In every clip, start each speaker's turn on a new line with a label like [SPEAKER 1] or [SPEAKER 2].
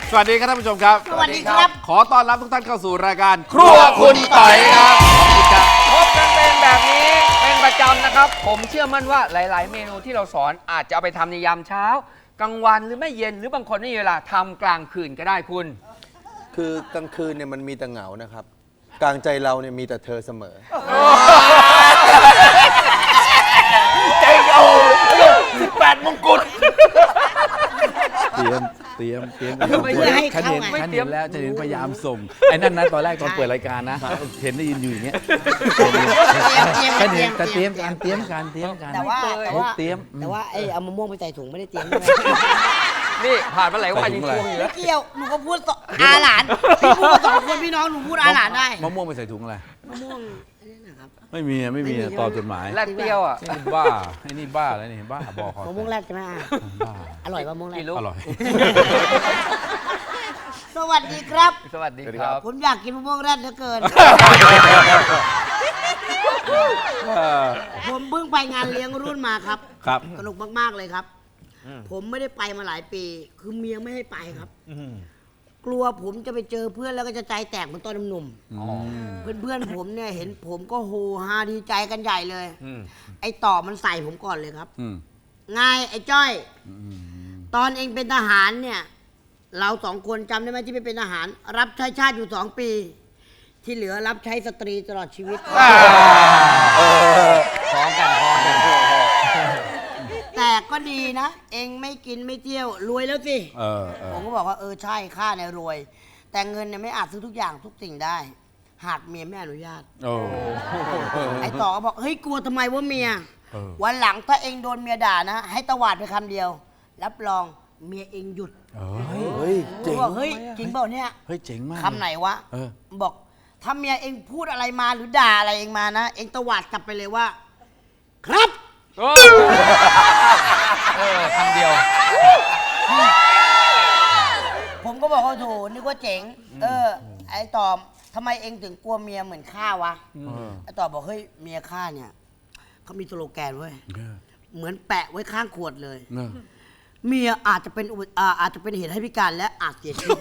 [SPEAKER 1] สวัสดีครับท่านผู้ชมครับ
[SPEAKER 2] สวัสดีครับ
[SPEAKER 1] ขอต้อนรับทุกท่านเข้าสู่รายการครัวคุณต่อยครับ
[SPEAKER 3] พบกันเป็นแบบนี้เป็นประจำนะครับผมเชื่อมั่นว่าหลาย ๆ เมนูที่เราสอนอาจจะเอาไปทำในยามเช้ากลางวันหรือไม่เย็นหรือบางคนไม่มีเวลาทำกลางคืนก็ได้คุณ
[SPEAKER 4] คือกลางคืนเนี่ยมันมีแต่เหงานะครับกลางใจเราเนี่ยมีแต่เธอเสมอ
[SPEAKER 1] ใจเอา18 มงกุฎเตรียม
[SPEAKER 2] เพื่อให้เข้าไง
[SPEAKER 1] ฉันเห็นแล้วฉันเห็นพยายามส่งไอ้นั่นนะตอนแรกตอนเปิดรายการนะเห็นได้ยินอยู่อย่างเงี้ยฉันเห็นแต่เตรียมการ
[SPEAKER 2] แต่ว่าไอ้เอามะม่วงไปใส่ถุงไม่ได้เตรียมใช่ไหม
[SPEAKER 3] นี่ผ่านมาหลายวันยังช่วงอยู่
[SPEAKER 2] ไม่
[SPEAKER 3] แล้ว
[SPEAKER 2] เกี่ยวหนูก็พูดอาหลานพี่พูดสองคนพี่น้องหนูพูดอาหลานได้
[SPEAKER 1] มะม่วงไปใส่ถุงอะไร
[SPEAKER 2] มะม่วงนี่นะครับ
[SPEAKER 1] ไม่มีตอบจดหมาย
[SPEAKER 3] แลดเปรี้ยวอ่ะ
[SPEAKER 1] นี่บ้าไอ้นี่บ้าอะไรนี่บ้าบอก
[SPEAKER 2] มะม่วงแรดใช่ไหม
[SPEAKER 1] บ้า
[SPEAKER 2] อร่อยมะม่วงแรด
[SPEAKER 3] กี่ลูก
[SPEAKER 1] อร่อย
[SPEAKER 2] สวัสดีครับ
[SPEAKER 3] สวัสดีครับ
[SPEAKER 2] ผมอยากกินมะม่วงแรดเหลือเกิน ผมเพิ่งไปงานเลี้ยงรุ่นมาครับ
[SPEAKER 1] ครับ
[SPEAKER 2] สนุกมากๆเลยครับ ผมไม่ได้ไปมาหลายปี คือเมียไม่ให้ไปครับกลัวผมจะไปเจอเพื่อนแล้วก็จะใจแตกเหมือนตอนหนุ่มๆเพื่อนๆผมเนี่ยเห็นผมก็โฮฮาดีใจกันใหญ่เลย ไอ้ต่อมันใส่ผมก่อนเลยครับไงไอ้จ้อยตอนเองเป็นทหารเนี่ย เราสองคนจำได้ไหมที่ไปเป็นทหาร รับใช้ชาติอยู่2 ปี ที่เหลือรับใช้สตรีตลอดชีวิต
[SPEAKER 3] พร้อมกัน
[SPEAKER 2] แต่ก็ดีนะ เองไม่กินไม่เที่ยวรวยแล้วสิ
[SPEAKER 1] ๆ
[SPEAKER 2] ผมก็บอกว่าใช่ข้าเนี่ยรวย แต่เงินเนี่ยไม่อาจซื้อทุกอย่างทุกสิ่งได้ หากเมียไม่อนุญาต
[SPEAKER 1] โอ้
[SPEAKER 2] ไอ้ต่อก็บอกเฮ้ยกลัวทำไมว่าเมีย วันหลังถ้าเองโดนเมียด่านะ ให้ตวาดไปคำเดียว รับรองเมียเองหยุด
[SPEAKER 4] เฮ้ย
[SPEAKER 2] ผม
[SPEAKER 4] เจ๋ง
[SPEAKER 2] บอกเฮ้ยจริงเปล่าเนี่ย
[SPEAKER 1] เฮ้ยเจ๋งมาก
[SPEAKER 2] คำไหนวะ
[SPEAKER 1] เออ
[SPEAKER 2] บอกถ้าเมียเองพูดอะไรมาหรือด่าอะไรเองมานะ เองตวาดกลับไปเลยว่า ครับ
[SPEAKER 3] คำเดียว
[SPEAKER 2] ผมก็บอกว่าโถนึกว่าเจ๋ง ไอ้ตอมทำไมเองถึงกลัวเมียเหมือนข้าวะไอ้ตอมบอกเฮ้ยเมียข้าเนี่ยเขามีสโลแกนเว้ยเหมือนแปะไว้ข้างขวดเลย เมียอาจจะเป็นเหตุให้พิการและอาจเสียชีวิต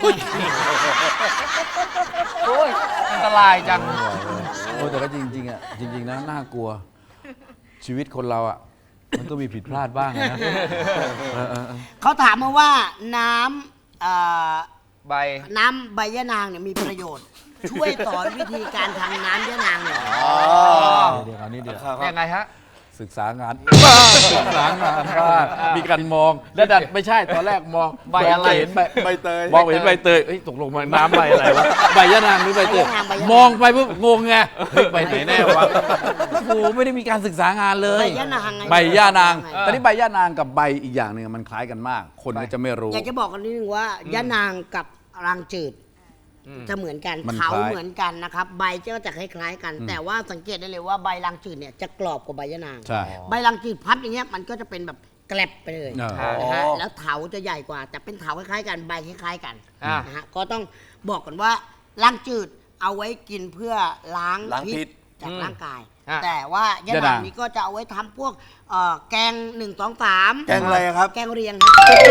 [SPEAKER 3] โอ้ยอันตรายจัง
[SPEAKER 1] โอ้แต่ก็จริงๆอ่ะจริงๆนะน่ากลัว ชีวิตคนเราอ่ะมันก็มีผิดพลาดบ้างนะ
[SPEAKER 2] เขาถามมาว่าน้
[SPEAKER 3] ใบ
[SPEAKER 2] ำใบยะนางเนี่ยมีประโยชน์ ช่วยสอนวิธีการทำน้ำยะนางหน่อย
[SPEAKER 1] เดี๋ยวนี้เดี๋ยว
[SPEAKER 3] ยังไงฮะ
[SPEAKER 1] ศึกษางานบ้างมีการมองแล้วดันไม่ใช่ตอนแรกมองใบอะไรเห็นใบเตยมองเห็นใบเตยเอ้ยตกลงมาน้ำใบอะไรวะใบยะนางหรือใบเตยมองไปปุ๊บงงไงเฮ้ยใบไหนแน่วะโอ้โหไม่ได้มีการศึกษางานเลย
[SPEAKER 2] ใบยะนางไง
[SPEAKER 1] ใบย่านางตอนนี้ใบย่านางกับใบอีกอย่างหนึ่งมันคล้ายกันมาก คนก็จะไม่รู้
[SPEAKER 2] อยากจะบอกกันนิดนึงว่ายะนางกับรังจืดจะเหมือนกัน
[SPEAKER 1] มัน
[SPEAKER 2] เขา
[SPEAKER 1] คล้าย
[SPEAKER 2] เหมือนกันนะครับ ใบก็จะคล้ายๆกัน แต่ว่าสังเกตได้เลยว่าใบรังจืดเนี่ยจะกรอบกว่าใบยะนาง
[SPEAKER 1] ใช่
[SPEAKER 2] ใบรังจืดพับอย่างเงี้ยมันก็จะเป็นแบบแกลบไปเลย
[SPEAKER 1] อ๋อ
[SPEAKER 2] นะฮะแล้วเถาจะใหญ่กว่า แต่เป็นเถาคล้ายๆกันใบคล้ายๆกัน
[SPEAKER 3] อ่า
[SPEAKER 2] นะฮะก็ต้องบอกก่อนว่ารังจืดเอาไว้กินเพื่อล้าง
[SPEAKER 4] ล้างพิษ
[SPEAKER 2] จากร่างกาย
[SPEAKER 3] อ่ะ
[SPEAKER 2] แต่ว่ายะ
[SPEAKER 1] ยะ
[SPEAKER 2] นาน
[SPEAKER 1] าง ง
[SPEAKER 2] นี้ก็จะเอาไว้ทำพวกแกง1 2 3
[SPEAKER 4] แกงอะไรครับ
[SPEAKER 2] แกงเรียง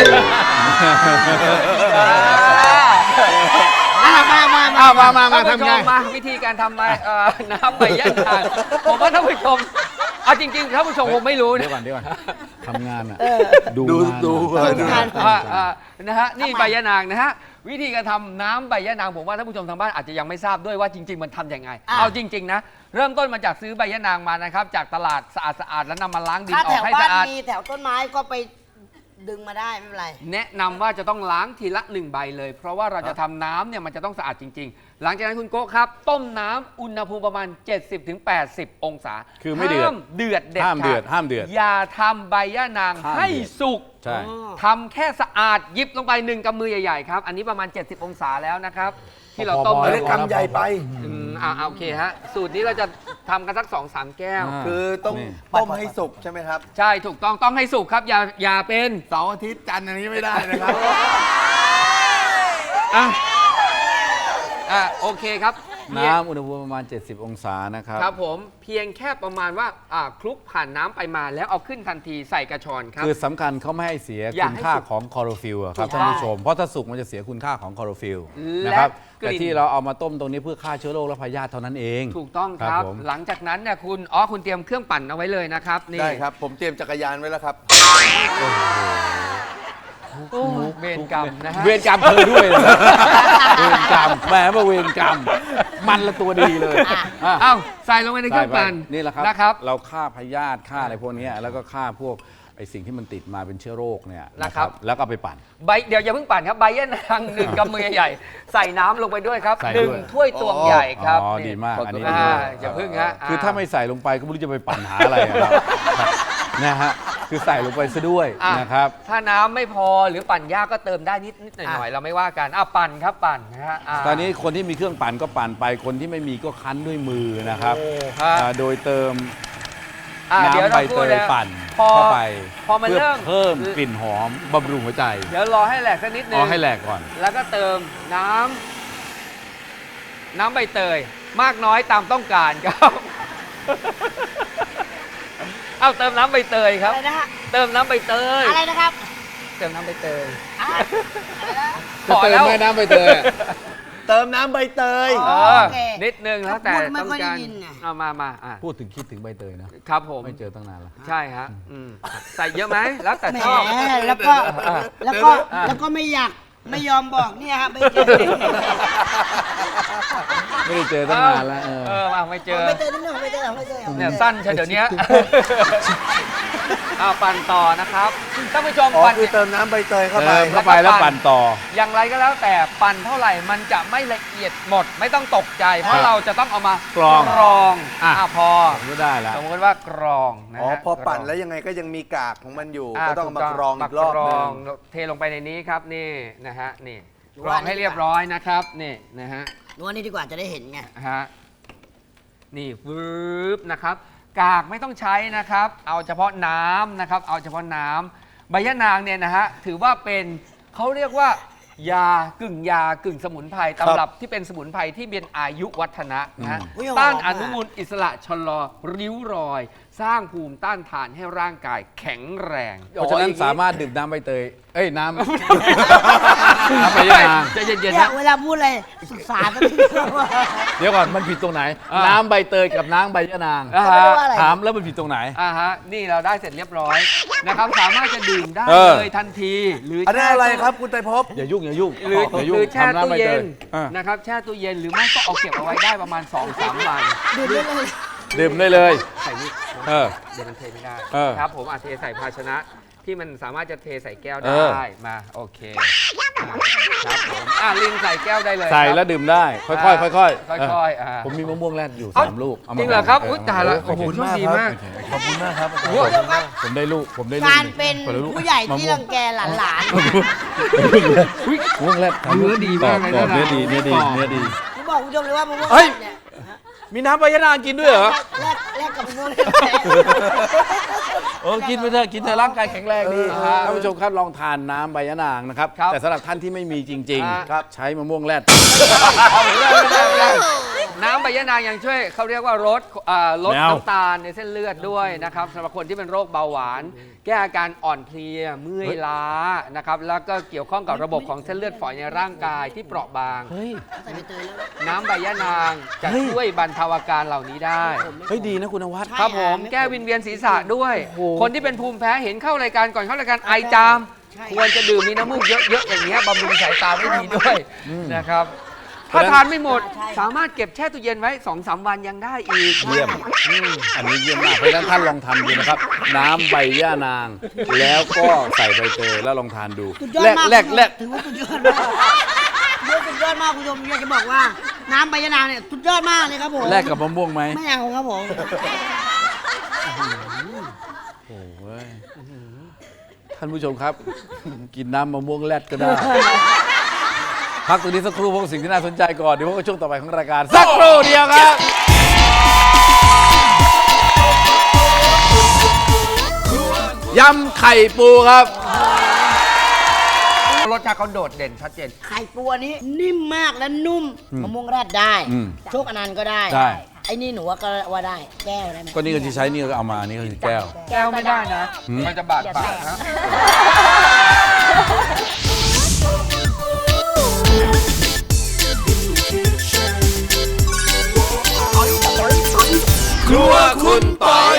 [SPEAKER 2] มา
[SPEAKER 3] ท่านผู้ชมมาวิธีการทำน้ำใบยะนางผมว่าท่านผู้ชมเอาจริงๆท่านผู้ชมคงไม่รู้
[SPEAKER 1] เดี๋
[SPEAKER 3] นะ
[SPEAKER 1] ยวก่อนทำงานอ่ะ
[SPEAKER 4] ดู
[SPEAKER 1] งาน
[SPEAKER 3] นะฮะนี่ใบยะนางนะฮะวิธีการทำน้ำใบยะนางผมว่าท่านผู้ชมทางบ้านอาจจะยังไม่ทราบด้วยว่าจริง ๆ มันทำยังไง เอาจริง ๆ นะ เริ่มต้นมาจากซื้อใบยะนางมานะครับจากตลาดสะอาดๆแล้วนำมาล้างดิน
[SPEAKER 2] ถ้า
[SPEAKER 3] ออ
[SPEAKER 2] แถ
[SPEAKER 3] ก
[SPEAKER 2] ว
[SPEAKER 3] ให้
[SPEAKER 2] บ้า
[SPEAKER 3] สะ
[SPEAKER 2] น
[SPEAKER 3] อาด
[SPEAKER 2] มีแถวต้นไม้ก็ไปดึงมาได้ไม่เป็นไร
[SPEAKER 3] แนะนำว่าจะต้องล้างทีละ1 ใบเลย เพราะว่าเราจะทำน้ำเนี่ยมันจะต้องสะอาดจริง ๆ หลังจากนั้นคุณโก้ครับ ต้มน้ำอุณหภูมิประมาณ 70-80 องศา
[SPEAKER 1] คือไม่เดือด
[SPEAKER 3] ห้ามเดือดเด็ด
[SPEAKER 1] ห้ามเดือด
[SPEAKER 3] ข
[SPEAKER 1] ห้ามเดือด
[SPEAKER 3] อย่าทำใบย่านาง
[SPEAKER 1] ห้าม
[SPEAKER 3] ให้
[SPEAKER 1] เดือด
[SPEAKER 3] สุก
[SPEAKER 1] ใช่
[SPEAKER 3] ทำแค่สะอาดหยิบลงไป1 กำมือใหญ่ๆครับอันนี้ประมาณ 70 องศาแล้วนะครับที่เราต้ม
[SPEAKER 1] พอ
[SPEAKER 3] ไว้
[SPEAKER 1] แล้ว
[SPEAKER 4] คำใหญ่ไป
[SPEAKER 3] โอเคฮะสูตรนี้เราจะทำกันสัก 2-3 แก้ว
[SPEAKER 4] คือต้อง
[SPEAKER 1] นี่
[SPEAKER 4] ต้มให้สุกใช่ไหมครับ
[SPEAKER 3] ใช่ถูกต้องให้สุกครับอย่าเป็น
[SPEAKER 4] เสาร์อาทิตย์จันทร์อันนี้ไม่ได้นะครับ
[SPEAKER 3] โอเคครับ
[SPEAKER 1] น้ำอุณหภูมิประมาณ 70 องศานะครับ
[SPEAKER 3] ครับผมเพียงแค่ประมาณว่าคลุกผ่านน้ำไปมาแล้วเอาขึ้นทันทีใส่กระชอนครับ
[SPEAKER 1] คือสำคัญเขาไม่ให้เสีย
[SPEAKER 3] อย่า
[SPEAKER 1] คุณ
[SPEAKER 3] ให้
[SPEAKER 1] ค่า
[SPEAKER 3] สุก
[SPEAKER 1] ของคลอโรฟิลล์อะครับ
[SPEAKER 3] ถูก
[SPEAKER 1] ท่านผู้ชม เพราะถ้าสุกมันจะเสียคุณค่าของคลอโรฟิลล์
[SPEAKER 3] และ
[SPEAKER 1] นะครับ
[SPEAKER 3] กลิ่น
[SPEAKER 1] แต่ที่เราเอามาต้มตรงนี้เพื่อฆ่าเชื้อโรคและพยาธิเท่านั้นเอง
[SPEAKER 3] ถูกต้องครับ
[SPEAKER 1] ผม
[SPEAKER 3] หลังจากนั้นเนี่ยคุณเตรียมเครื่องปั่นเอาไว้เลยนะครับนี่
[SPEAKER 4] ได้ครับ ผมเตรียมจักรยานไว้แล้วครับ
[SPEAKER 3] โอ้เวรกรรมนะฮะ
[SPEAKER 1] เวรกรรมเธอด้วยนะเวรกรรมแหมมาเวรกรรม มันละตัวดีเลยอ่ะ
[SPEAKER 3] เอ้าใส่ลงไปในเครื่องปั่น
[SPEAKER 1] นี่แหละครับ
[SPEAKER 3] นะครับ
[SPEAKER 1] เราฆ่าพยาธิฆ่าอะไรพวกนี้แล้วก็ฆ่าพวกไอสิ่งที่มันติดมาเป็นเชื้อโรคเนี่ย
[SPEAKER 3] นะครับ
[SPEAKER 1] แล้วก็เอาไปปั่น
[SPEAKER 3] เดี๋ยวอย่าเพิ่งปั่นครับใบยะนางหนึ่งกำมือใหญ่ๆใส่น้ำลงไปด้วยครับ
[SPEAKER 1] ใส่
[SPEAKER 3] หนึ่ง
[SPEAKER 1] ด้วย
[SPEAKER 3] ถ้วยตวงใหญ่ครับ
[SPEAKER 1] อ๋อ
[SPEAKER 3] นี่
[SPEAKER 1] ดีมากอันนี้
[SPEAKER 3] อ่า
[SPEAKER 1] ดีมาก
[SPEAKER 3] อย่าเพิ่งฮะ
[SPEAKER 1] คือถ้าไม่ใส่ลงไปก็ไม่รู้จะไปปั่นหาอะไรอะครับนะฮะคือใส่ลงไปซะด้วย
[SPEAKER 3] อ่ะ
[SPEAKER 1] นะครับ
[SPEAKER 3] ถ้าน้ำไม่พอหรือปั่นยากก็เติมได้นิดหน่อยๆเราไม่ว่ากันปั่นครับปั่นนะฮะ
[SPEAKER 1] ตอนนี้คนที่มีเครื่องปั่นก็ปั่นไปคนที่ไม่มีก็คั้นด้วยมือนะครับ
[SPEAKER 3] ฮะ
[SPEAKER 1] โดยเติม
[SPEAKER 3] เดี๋ยว
[SPEAKER 1] น้ำใบ
[SPEAKER 3] เรา
[SPEAKER 1] เต
[SPEAKER 3] พูด
[SPEAKER 1] ย
[SPEAKER 3] นะ
[SPEAKER 1] ปั่น
[SPEAKER 3] พอ
[SPEAKER 1] เข้าไป
[SPEAKER 3] พอมัน
[SPEAKER 1] เพื่อ
[SPEAKER 3] เริ่ม
[SPEAKER 1] เพิ่มกลิ่นหอมบำรุงหัวใจ
[SPEAKER 3] เดี๋ยวรอให้แหลกสักนิดนึ
[SPEAKER 1] เอา
[SPEAKER 3] ง
[SPEAKER 1] ให้แหลกก่อน
[SPEAKER 3] แล้วก็เติมน้ำใบเตยมากน้อยตามต้องการครับ เอาเติมน้ำใบเตยครับ
[SPEAKER 2] อะไรนะฮะ
[SPEAKER 3] เติมน้ำใบเตย
[SPEAKER 2] อะไรนะครับ
[SPEAKER 3] เติมน้ำใบเตย
[SPEAKER 2] อ่ะอะไรนะ
[SPEAKER 1] จะเติมไหมน้ำใบเตยอะ
[SPEAKER 4] เติมน้ำใบเตย
[SPEAKER 3] เออ
[SPEAKER 2] โอเค
[SPEAKER 3] นิดนึงแล้วแต่
[SPEAKER 2] พูดไม่
[SPEAKER 3] ต้อง
[SPEAKER 2] ค่อยได้
[SPEAKER 3] การ
[SPEAKER 2] ยินไง
[SPEAKER 3] เอามาอ่ะ
[SPEAKER 1] พูดถึงคิดถึงใบเตยนะครับ
[SPEAKER 3] ผม
[SPEAKER 1] ไม่เจอตั้งนานแล้ว
[SPEAKER 3] ใช่ฮะใส่เยอะไหมแล้วแต่
[SPEAKER 2] แหม
[SPEAKER 3] ชอบ
[SPEAKER 2] แล้วก็
[SPEAKER 3] อ่ะ
[SPEAKER 2] แล้วก็ไม่อยากไม่ยอมบอกเนี่ยฮะไม่เจอ
[SPEAKER 1] ไม่ได้เจอตั้งนานแล้ว
[SPEAKER 3] ไม่เจอ
[SPEAKER 2] ไม่เจอนิดนึงไม่เจอไม่เจอ
[SPEAKER 3] เนี่ยสั้นใช่เดี๋ยวนี้ ปั่นต่อนะครับท่านผู้ชม
[SPEAKER 4] อ๋อ
[SPEAKER 3] ปั่น
[SPEAKER 4] คือเติมน้ำใบเตยเข้าไป
[SPEAKER 1] เข้าไปแล้วปั่นต่อ
[SPEAKER 3] อย่างไรก็แล้วแต่ปั่นเท่าไหร่มันจะไม่ละเอียดหมดไม่ต้องตกใจ เพราะเราจะต้องเอามาก
[SPEAKER 1] รอง
[SPEAKER 3] อ่ะพอ
[SPEAKER 1] ผมก็ได้แล้ว
[SPEAKER 3] สมมติว่ากรองนะ
[SPEAKER 4] อ๋อ
[SPEAKER 3] ฮะ
[SPEAKER 4] พอปั่น
[SPEAKER 3] กรอง
[SPEAKER 4] แล้วยังไงก็ยังมีกากของมันอยู่
[SPEAKER 3] อ่ะ
[SPEAKER 4] ก็ต้องเอามา
[SPEAKER 3] ถู
[SPEAKER 4] กรองอีกรอบ
[SPEAKER 3] มาก
[SPEAKER 4] หนึ
[SPEAKER 3] รอง งเทลงไปในนี้ครับนี่นะฮะนี่กรองให้เรียบร้อยนะครับนี่นะฮะ
[SPEAKER 2] นวดนี่ดีกว่าจะได้เห็นไง
[SPEAKER 3] ฮะนี่วืบนะครับ กากไม่ต้องใช้นะครับ เอาเฉพาะน้ำนะครับ เอาเฉพาะน้ำใบยะนางเนี่ยนะฮะถือว่าเป็นเขาเรียกว่ายากึ่งสมุนไพรตำรับที่เป็นสมุนไพรที่เป็นอายุวัฒนะนะฮะ
[SPEAKER 2] อุ๊ย
[SPEAKER 3] ต้าน
[SPEAKER 2] หอม
[SPEAKER 3] อ
[SPEAKER 2] อะ
[SPEAKER 3] นุมูลอิสระชะลอริ้วรอย สร้างภูมิต้านทานให้ร่างกายแข็งแรง
[SPEAKER 1] เพราะฉะนั้นสามารถดื่มน้ำใบเตย น้ำ น้ำใบ
[SPEAKER 3] เฮ้ย
[SPEAKER 1] ยะนาง
[SPEAKER 3] ใจเย็นๆ
[SPEAKER 2] เนี่ย
[SPEAKER 3] นะ
[SPEAKER 2] เวลาพูดอะไรศึกษาสักนิดนึงว่า
[SPEAKER 1] เดี๋ยวก่อนมันผิดตรงไหน
[SPEAKER 3] อ่า
[SPEAKER 1] น้ำใบเตยกับน้ำใบยะนาง
[SPEAKER 3] อ่า
[SPEAKER 2] ไม่
[SPEAKER 3] ฮะ
[SPEAKER 2] รู้ว่าอะไร
[SPEAKER 1] ถามแล้วมันผิดตรงไหน
[SPEAKER 3] นี่เราได้เสร็จเรียบร้อยนะครับ สามารถจะดื่มได้
[SPEAKER 1] เออ
[SPEAKER 3] เลยทันที หรือ
[SPEAKER 4] อันนี้
[SPEAKER 3] แช่
[SPEAKER 4] อะไร
[SPEAKER 3] ตู้
[SPEAKER 4] ครับคุณไตรภพ
[SPEAKER 1] อย่ายุ่งอย่ายุ่ง
[SPEAKER 3] หรือ
[SPEAKER 1] อย่ายุ่
[SPEAKER 3] ห
[SPEAKER 1] ง
[SPEAKER 3] รือแช่
[SPEAKER 1] ทำน้ำ
[SPEAKER 3] ตู้
[SPEAKER 1] ใบ
[SPEAKER 3] เย็
[SPEAKER 1] เต
[SPEAKER 3] น
[SPEAKER 1] ยอ่ะ
[SPEAKER 3] นะครับแช่ตู้เย็นหรือไม่ก็เอาเก็บเอาไว้ได้ประมาณ 2-3 วัน
[SPEAKER 2] ดูได้เลย
[SPEAKER 1] ดื่มได้เลย
[SPEAKER 3] ใส่นี่
[SPEAKER 1] เออ
[SPEAKER 3] เดี๋ยวมันเทไม่ได้
[SPEAKER 1] เออ
[SPEAKER 3] ครับผมอาจเทใส่ภาชนะที่มันสามารถจะเทใส่แก้ว
[SPEAKER 1] เอ
[SPEAKER 3] ได้
[SPEAKER 1] อ
[SPEAKER 3] มาโอเคครับผมลินใส่แก้วได้เลย
[SPEAKER 1] ใส่
[SPEAKER 3] ครับ
[SPEAKER 1] แล้วดื่มได้ ค่อยๆค่อยๆ
[SPEAKER 3] ค่อยๆ
[SPEAKER 1] ผมมีมะม่วงแรดอยู่
[SPEAKER 3] เอ้า
[SPEAKER 1] 3 ลูกามา
[SPEAKER 3] จริงเหรอครับ
[SPEAKER 1] แง
[SPEAKER 3] อุ๊ยตายละ
[SPEAKER 1] โ
[SPEAKER 3] โอ้โหโชคดีมาก
[SPEAKER 4] ขอบคุณมากครับ
[SPEAKER 3] โอ้โห
[SPEAKER 1] ผมได้ลูกผมได้ลูก
[SPEAKER 2] การเป็น
[SPEAKER 1] คนละลูก
[SPEAKER 2] ผู้ใหญ่ที่
[SPEAKER 1] มะม่ว
[SPEAKER 2] รังแกหลาน
[SPEAKER 3] อุ๊ย
[SPEAKER 1] มะม่วงแรด
[SPEAKER 3] เนื้อดีมากเลย
[SPEAKER 1] กรอบ
[SPEAKER 3] นะ
[SPEAKER 1] เนื้อดีเนื้อดี
[SPEAKER 3] กรอบ
[SPEAKER 1] เนื้อดี
[SPEAKER 2] ๆผมบอกคุณผู้ชมเลยว่ามะม่วง
[SPEAKER 1] เฮ้ย
[SPEAKER 2] เนี่ย
[SPEAKER 1] มีน้ำใบยะนางกินด้วยเหรอ
[SPEAKER 2] แลกกับมะม่วง
[SPEAKER 1] กินไปเถอะกินเถอะร่างกายแข็งแรงดี
[SPEAKER 3] ครับ
[SPEAKER 1] ท่านผู้ชมครับลองทานน้ำใบยะนางนะครับ
[SPEAKER 3] ครับ
[SPEAKER 1] แต่สำหรับท่านที่ไม่มีจริง
[SPEAKER 3] ครับ
[SPEAKER 1] ๆ ใช้มะม่วงแรด
[SPEAKER 3] ไม่ได้น้ำใบยะนางยังช่วยเขาเรียกว่าลดน้ำตาลในเส้นเลือดด้วยนะครับสำหรับคนที่เป็นโรคเบาหวาน แก้อาการอ่อนเพลียเมื่อยล้านะครับแล้วก็เกี่ยวข้องกับระบบของเส้นเลือดฝอยในร่างกายที่เปราะบาง
[SPEAKER 1] เฮ้ย
[SPEAKER 2] ใส่ใบเตยแล้ว
[SPEAKER 3] น้ำใบยะนางจะ
[SPEAKER 1] เฮ้ย
[SPEAKER 3] ช่วยบรรเทาอาการเหล่านี้ได้
[SPEAKER 1] เฮ้ยดีนะคุณนวัด
[SPEAKER 3] ครับผมแก้วิงเวียนศีรษะด้วย
[SPEAKER 1] โอ้โห
[SPEAKER 3] คนที่เป็นภูมิแพ้เห็นเข้ารายการก่อนเข้ารายการไอจาม ควรจะดื่มมีน้ำมูกเยอะๆอย่างเงี้ยบำรุงสายตาได้ดีด้วยนะครับ ถ้าทานไม่หมดสามารถเก็บแช่ตู้เย็นไว้ 2-3 วันยังได้อีก
[SPEAKER 1] เยี่ยม อันนี้เยี่ยมมากเพราะฉะนั้นท่านลองทำดูนะครับ น้ำใบย่านาง แล้วก็ใส่ใบเตยแล้วลองทานดู
[SPEAKER 2] สุดยอด
[SPEAKER 1] แลก
[SPEAKER 2] มาก
[SPEAKER 1] แลกแลก
[SPEAKER 2] ถือว่าสุดยอดมากสุดยอดมากคุณผู้ชมอยากจะบอกว่าน้ำใบยะนางเนี่ยสุดยอดมากเลยครับผม
[SPEAKER 1] แลกกับมะม่วงไหม
[SPEAKER 2] ไม่เอาครับผม
[SPEAKER 1] โอ้ยท่านผู้ชมครับ กินน้ำมะม่วงแลดก็ได้ พักตรงนี้สักครู่พวกบสิ่งที่น่าสนใจก่อน เดี๋ยวพบกับช่วงต่อไปของรายการ สักครู่เดียวครับยำไข่ปูครับ
[SPEAKER 3] รสสชาติเขาโดดเด่นชัดเจน
[SPEAKER 2] ไข่ตัวนี้นิ่มมากและนุ่มมะม่วงแรดได้
[SPEAKER 1] อืม
[SPEAKER 2] โชคอนันต์ก็ได้
[SPEAKER 1] ได้
[SPEAKER 2] ไอ้นี่หนูก็ว่าได้แก้วได้ไหม
[SPEAKER 1] ก็นี่ก็ที่ใช้นี่ก็เอามานี่ก็คือแก้ว
[SPEAKER 3] แก้วไม่ได้นะ มันจะบาดปากนะ
[SPEAKER 4] ครัวคุณปอย